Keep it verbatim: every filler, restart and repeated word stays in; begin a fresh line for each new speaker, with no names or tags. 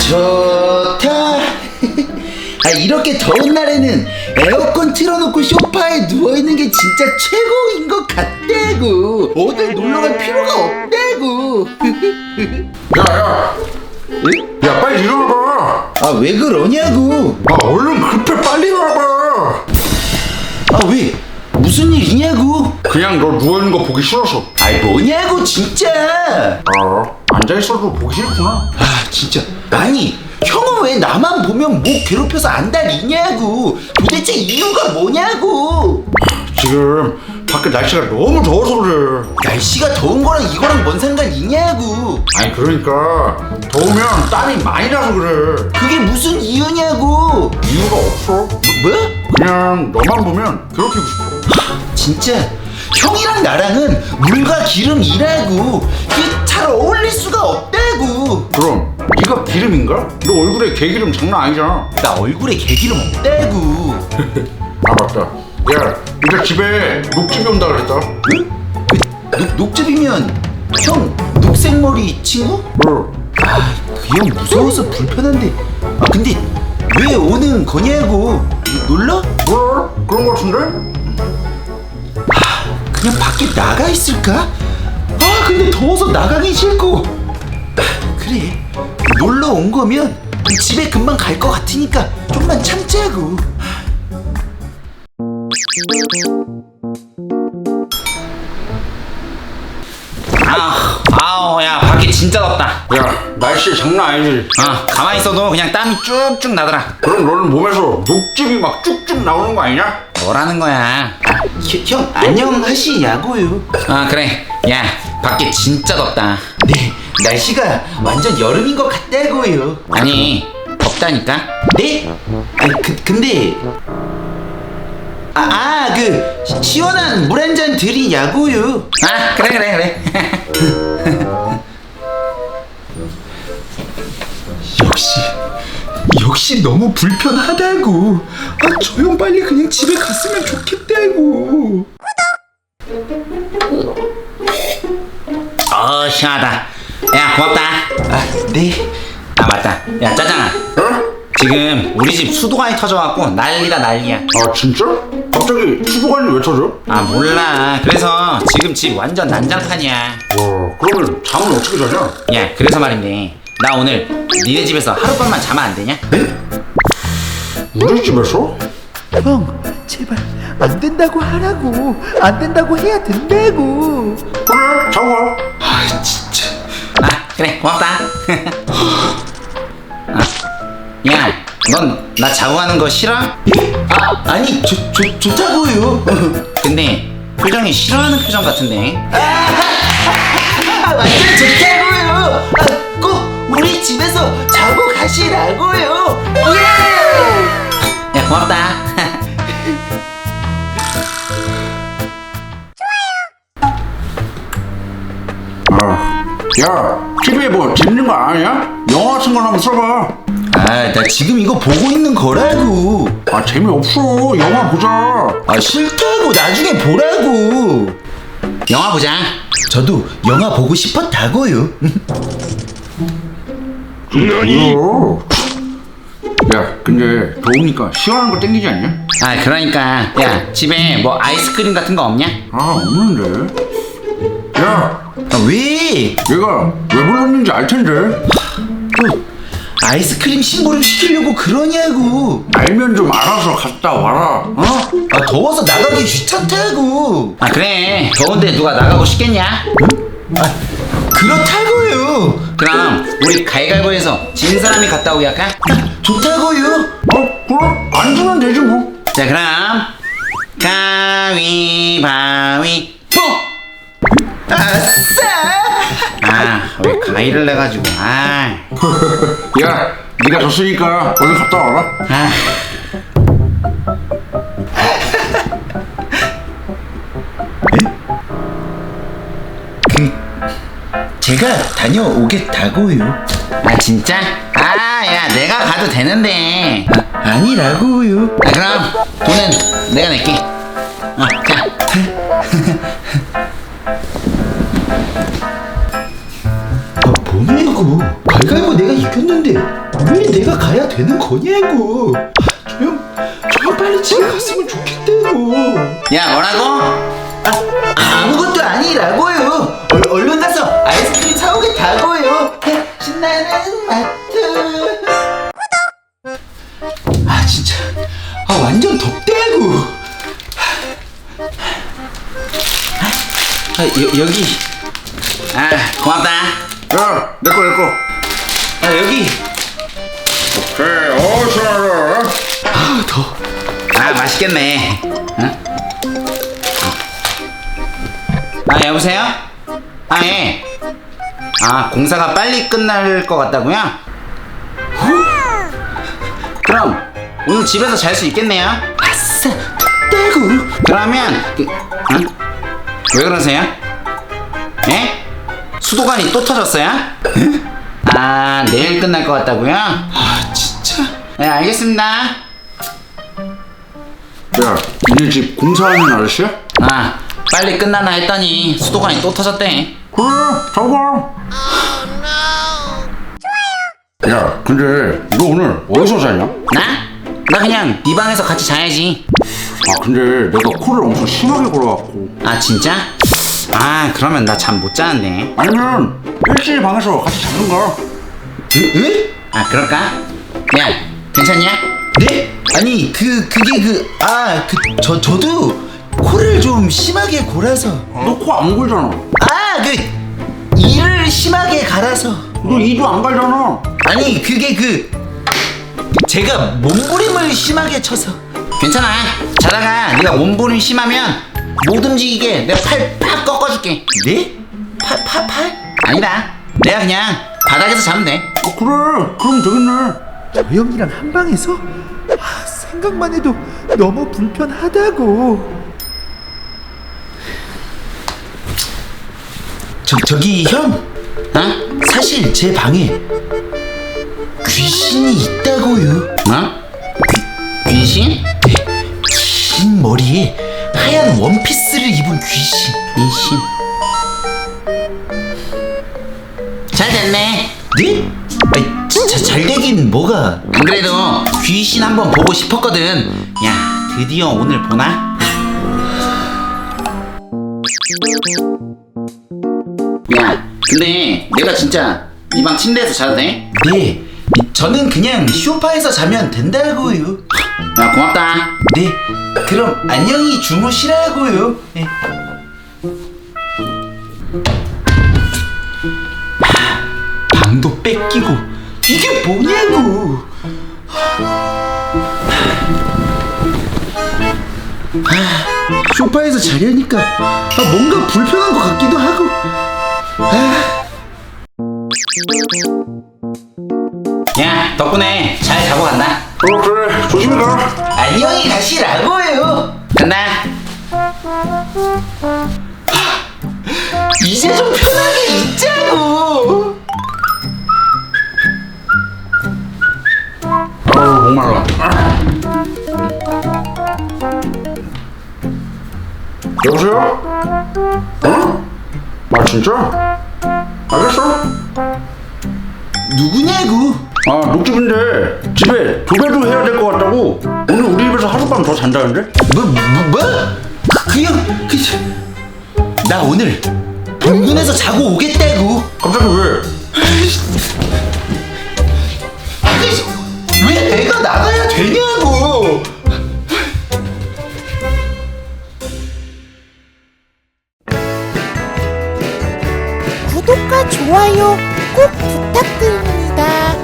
좋다. 아, 이렇게 더운 날에는 에어컨 틀어놓고 소파에 누워있는 게 진짜 최고인 것 같다고. 어딜 놀러갈 필요가 없다고.
야야 야 빨리 일어나봐.
아, 왜 그러냐고.
아 얼른 급해 빨리 일어나봐.
아, 왜? 무슨 일이냐고.
그냥 너 누워있는 거 보기 싫어서.
아이, 뭐냐고 진짜.
아 앉아있어도 보기 싫구나.
아, 진짜. 아니, 형은 왜 나만 보면 목 괴롭혀서 안달이냐고. 도대체 이유가 뭐냐고.
지금 밖에 날씨가 너무 더워서 그래.
날씨가 더운 거랑 이거랑 뭔 상관이냐고.
아니 그러니까 더우면 땀이 많이 나서 그래.
그게 무슨 이유냐고.
이유가 없어.
뭐?
그냥 너만 보면 괴롭히고 싶어.
진짜 형이랑 나랑은 물과 기름이라고. 그게 잘 어울릴 수가 없다고.
그럼 네가 기름인가? 너 얼굴에 개기름 장난 아니잖아.
나 얼굴에 개기름 없다고.
아 맞다. 야 이제 집에 녹즙이 온다 그랬다.
응? 그 녹, 녹즙이면 형 녹색머리 친구?
어.
아, 그 형 무서워서 불편한데. 아, 근데 왜 오는 거냐고. 놀러?
뭐? 그런 거 같은데?
그냥 밖에 나가 있을까? 아, 근데 더워서 나가기 싫고. 아, 그래, 놀러 온 거면 집에 금방 갈 것 같으니까 좀만 참자고.
아, 아우, 야, 밖에 진짜 덥다.
야 날씨 장난 아니지.
아, 가만히 있어도 그냥 땀이 쭉쭉 나더라.
그럼 너는 몸에서 녹즙이 막 쭉쭉 나오는 거 아니냐?
뭐라는 거야?
아, 형, 형 안녕하시냐고요.
아, 그래. 야, 밖에 진짜 덥다.
네, 날씨가 완전 여름인 것 같다고요.
아니, 덥다니까?
네? 아니, 그, 근데 아, 아, 그 시- 시원한 물 한 잔 드리냐고요.
아, 그래, 그래, 그래.
역시 역시 너무 불편하다고. 아, 저 형 빨리 그냥 집에 갔으면 좋겠다고.
어, 시원하다. 야, 고맙다.
아, 네.
아, 맞다. 야, 짜장아.
어?
지금 우리 집 수도관이 터져갖고 난리다, 난리야.
아 진짜? 갑자기 수도관이 왜 터져?
아, 몰라. 그래서 지금 집 완전 난장판이야.
와 그러면 잠은 어떻게 자냐?
야, 그래서 말인데, 나 오늘 니네 집에서 하룻밤만 자면 안 되냐?
우리 집에서?
형, 제발 안 된다고 하라고. 안 된다고 해야 된다고.
그래 자고 가.
아, 진짜.
아, 그래, 고맙다. 아, 야, 넌 나 자고 가는 거 싫어?
예? 아, 아니, 좋, 좋, 좋다고요.
근데 표정이 싫어하는 표정 같은데.
아, 완전 좋다고요. 아, 꼭 우리 집에서 자고 가시라고요. 예!
야, 고맙다.
아, 야 티비에 뭐 재밌는 거 아니야? 영화 같은 거 한번 써봐.
아, 나 지금 이거 보고 있는 거라고.
아 재미없어. 영화 보자.
아, 싫다고. 나중에 보라고.
영화 보자.
저도 영화 보고 싶었다고요.
뭐야? 야 근데 더우니까 시원한 거 땡기지 않냐?
아, 그러니까 야, 집에 뭐 아이스크림 같은 거 없냐?
아 없는데. 야
아, 왜?
얘가 왜 불렀는지 알 텐데.
또 아이스크림 심부름 시키려고 그러냐고.
알면 좀 알아서 갔다 와라.
어? 아, 더워서 나가기 귀찮다고.
아, 그래. 더운데 누가 나가고 싶겠냐?
아, 그렇다고요.
그럼 우리 가위바위보해서 진 사람이 갔다 오게 할까?
좋다고요.
어 그럼 안 주면 되지 뭐.
자, 그럼 가위바위보.
아싸.
아, 왜 가위를 내가지고. 아,
야 네가 졌으니까 얼른 갔다 와라.
아.
그 제가 다녀오겠다고요.
아, 진짜? 아, 야, 내가 가도 되는데.
아, 아니라고요.
아, 그럼 돈은 내가 낼게. 어, 자.
아, 뭐냐고. 가위바위보 내가 이겼는데. 아니었는데 왜 내가 가야 되는 거냐고. 아, 조용 조용 빨리 집에 갔으면 좋겠다고.
야, 뭐라고?
아무것도 아니라고요. 얼, 얼른 가서 아이스크림 사오겠다고요. 신나는 마트. 아 진짜 아 완전 덥대고.
아, 여, 여기. 아, 고맙다.
야, 내꺼 내꺼.
아, 여기.
오케이, 어 시원하다.
아 더.
아, 맛있겠네. 응? 아, 여보세요? 아, 예. 아, 공사가 빨리 끝날 것 같다고요? 그럼 오늘 집에서 잘 수 있겠네요.
아싸 덥대고.
그러면 그, 응? 왜 그러세요? 예? 수도관이 또 터졌어요? 아, 내일 끝날 것 같다고요?
아 진짜.
네, 알겠습니다.
야, 니네 집 공사하는 아저씨야?
아, 빨리 끝나나 했더니 수도관이 또 터졌대.
그래, 잡아. 야, 근데 너 오늘 어디서 자냐?
나? 나 그냥 네 방에서 같이 자야지.
아, 근데 내가 코를 엄청 심하게 골아갖고.
아, 진짜? 아, 그러면 나 잠 못 자는데.
아니면 일진이 방에서 같이 자는가?
에? 에?
아, 그럴까? 야, 괜찮냐?
네? 아니 그 그게 그 아 그 저 저도 코를 좀 심하게 골아서.
너 코 안 골잖아.
아 그 이를 심하게 갈아서.
너 이도 안 갈잖아.
아니 그게 그 제가 몸부림을 심하게 쳐서.
괜찮아. 자다가 네가 몸부림 심하면 못 움직이게 내가 팔 팍 꺾어줄게.
네? 팔 팔 팔?
아니다. 내가 그냥 바닥에서 자면 돼.
아, 그래, 그럼 되겠네.
저 형이랑 한 방에서? 아, 생각만 해도 너무 불편하다고.
저 저기 형
어?
사실 제 방에 귀신이 있다고요.
어? 귀신?
긴 머리에 하얀 원피스를 입은 귀신.
귀신. 잘 됐네.
네? 아니, 진짜 잘 되긴 뭐가.
안 그래도 귀신 한번 보고 싶었거든. 야, 드디어 오늘 보나? 야, 근데 내가 진짜 네 방 침대에서 자도 돼?
네, 저는 그냥 소파에서 자면 된다고요.
야, 고맙다.
네, 그럼 안녕히 주무시라고요. 네. 하, 방도 뺏기고 이게 뭐냐고. 아, 소파에서 자려니까 아, 뭔가 불편한 것 같기도 하고. 아.
야, 덕분에 잘 자고 간다.
어, 그래, 조심히 가.
안녕히 가시라고요.
간다.
이제 좀 편하게 있자고.
아우, 목말라. 여보세요? 어? 아, 진짜? 알겠어.
누구냐고?
아, 녹집인데 집에 도배도 해야 될 것 같다고. 오늘 우리 집에서 하룻밤 더 잔다는데?
뭐, 뭐, 뭐? 그, 그 형, 그, 나 오늘 병문에서 자고 오겠다고.
갑자기 왜?
아니, 왜 내가 나가야 되냐고.
구독과 좋아요 꼭 부탁드립니다.